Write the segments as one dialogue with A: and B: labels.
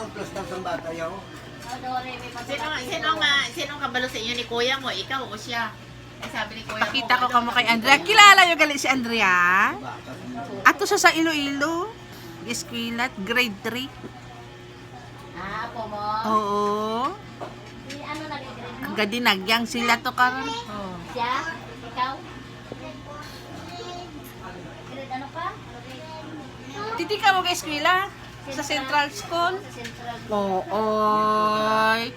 A: plus ng bata yaw.
B: Sino ang kabalo sa inyo ni kuya mo? Ikaw o siya? Ay, sabi ni kuya
C: Pakita ko
B: mo,
C: kamo kay Andrea. Kilala yung gali si Andrea?
A: Bata.
C: Ato sa Iloilo. Esquilat, grade 3.
D: Ah, po mo.
C: Oo.
D: Si ano nag-grade mo?
C: Ang gadinagyang sila to karon.
B: Oh.
D: Siya? Ikaw? Grade ano pa?
C: Titi ka mo kay eskwela sa Central School.
D: Sa Central.
C: Oo.
D: Ay,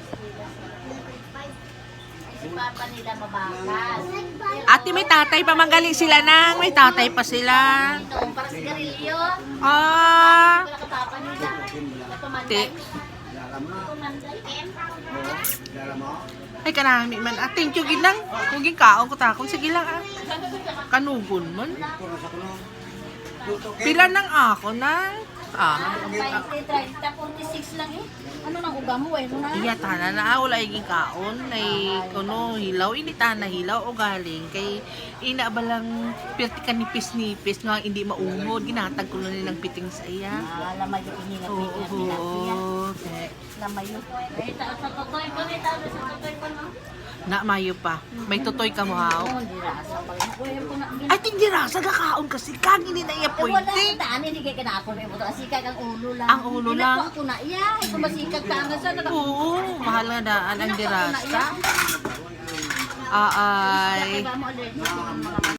D: si Papa nila mabakas.
C: Ate, may tatay pa manggaling sila nang. May tatay pa sila.
D: Ito, para sigarilyo.
C: Ah.
D: Wala ka Papa nila.
C: Ti.
D: Napamanday.
A: Lala mo.
D: Napamanday.
A: Lala mo.
C: Ay, kanami man. Ah, thank you, ginang. Kung kaon ko takong. Sige lang, ah. Kanugon man.
A: Puro sa kuno.
C: Pila nang ako na. Ah.
D: 20, 30, 46 lang eh. Ano nang uga mo eh? Ano na?
C: Iya, tana na. Wala iging kaon. Ay, kuno, hilaw. Inita na hilaw o galing. Kay, ina ba lang pirti ka nipis-nipis nga hindi maungod. Ginatag ko na nilang piting sa iya.
D: Ah, lamay yung iningat
C: Oo.
D: niya. Pinasiya.
C: Okay.
D: Lamay yung. Eh, sa totoy ko, may tawag sa totoy ko, no?
C: Na, mayo pa. May tutoy ka mo, haw.
D: Oo, hindi rasa pala. Uy, ko na.
C: Ay, tingdi rasa kakaon kasi kang ini na iya
D: Eh, wala
C: pwede.
D: ka daan, hindi kaya kinakon mo ito. Asikag ang ulo lang.
C: Ang ulo lang?
D: Ako na iya. Ito masikag ka hanggang sa
C: Oo, mahal nga daan ang dirasa.
D: iya.
C: Ay.
D: Kaya mo allergic yung mga